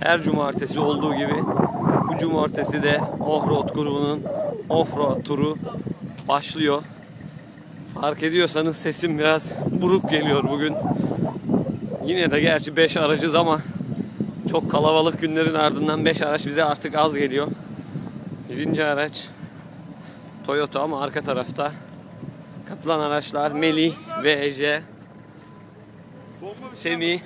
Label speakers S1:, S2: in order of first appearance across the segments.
S1: Her cumartesi olduğu gibi bu cumartesi de Offroad grubunun Offroad turu başlıyor. Fark ediyorsanız sesim biraz buruk geliyor bugün. Yine de gerçi 5 aracız ama çok kalabalık günlerin ardından 5 araç bize artık az geliyor. Birinci araç Toyota ama arka tarafta katılan araçlar Melih ve Ece, Semih,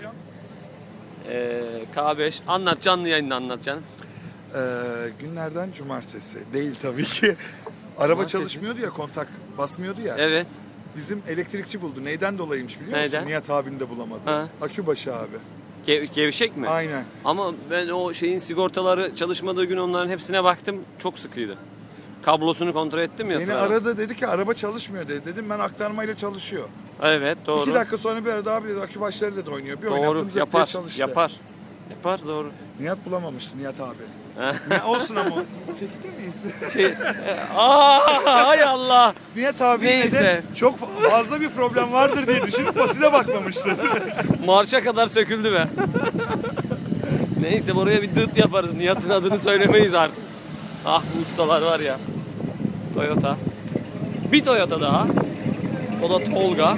S1: K5. Anlat, canlı yayında anlatacaksın.
S2: Günlerden cumartesi. Değil tabii ki. Araba çalışmıyordu ya, kontak basmıyordu ya.
S1: Evet.
S2: Bizim elektrikçi buldu. Neyden dolayıymış biliyor
S1: Neyden?
S2: musun? Nihat abini de bulamadı.
S1: Ha.
S2: Akübaşı abi.
S1: Gevşek mi?
S2: Aynen.
S1: Ama ben o şeyin sigortaları çalışmadığı gün onların hepsine baktım. Çok sıkıydı. Kablosunu kontrol ettim ya.
S2: Beni aradı, dedi ki araba çalışmıyor dedi. Dedim ben aktarmayla çalışıyor.
S1: Evet, doğru.
S2: 2 dakika sonra bir aradı, abi dedi akübaşları dedi oynuyor. Bir
S1: Doğru,
S2: oynattım zırt diye çalıştı.
S1: yapar doğru.
S2: Nihat bulamamıştı Nihat abi. Ne olsun ama. Çekti miyiz?
S1: Hay Allah.
S2: Nihat abi de çok fazla bir problem vardır diye düşünüp basite bakmamıştı.
S1: Marşa kadar söküldü be. Neyse buraya bir dıt yaparız. Nihat'ın adını söylemeyiz artık. Ah bu ustalar var ya. Toyota. Bir Toyota daha. O da Tolga.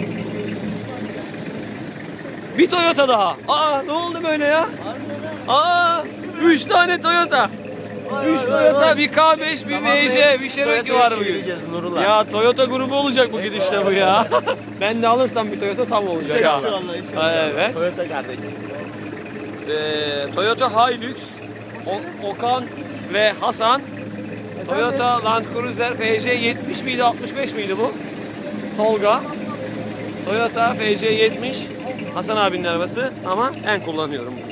S1: Bir Toyota daha. Aa ne oldu böyle ya? 3 tane Toyota. 3 Toyota, bir K5, bir MJ, bir Cherokee var bugün. Ya Toyota grubu olacak bu gidişle bu ya. Ben de alırsam bir Toyota tam olacak abi. Evet.
S3: Toyota kardeşim.
S1: Toyota Hilux, Okan ve Hasan. Toyota Land Cruiser FC 70 miydi, 65 miydi bu? Tolga. Toyota FC 70. Hasan abinin arabası ama ben kullanıyorum.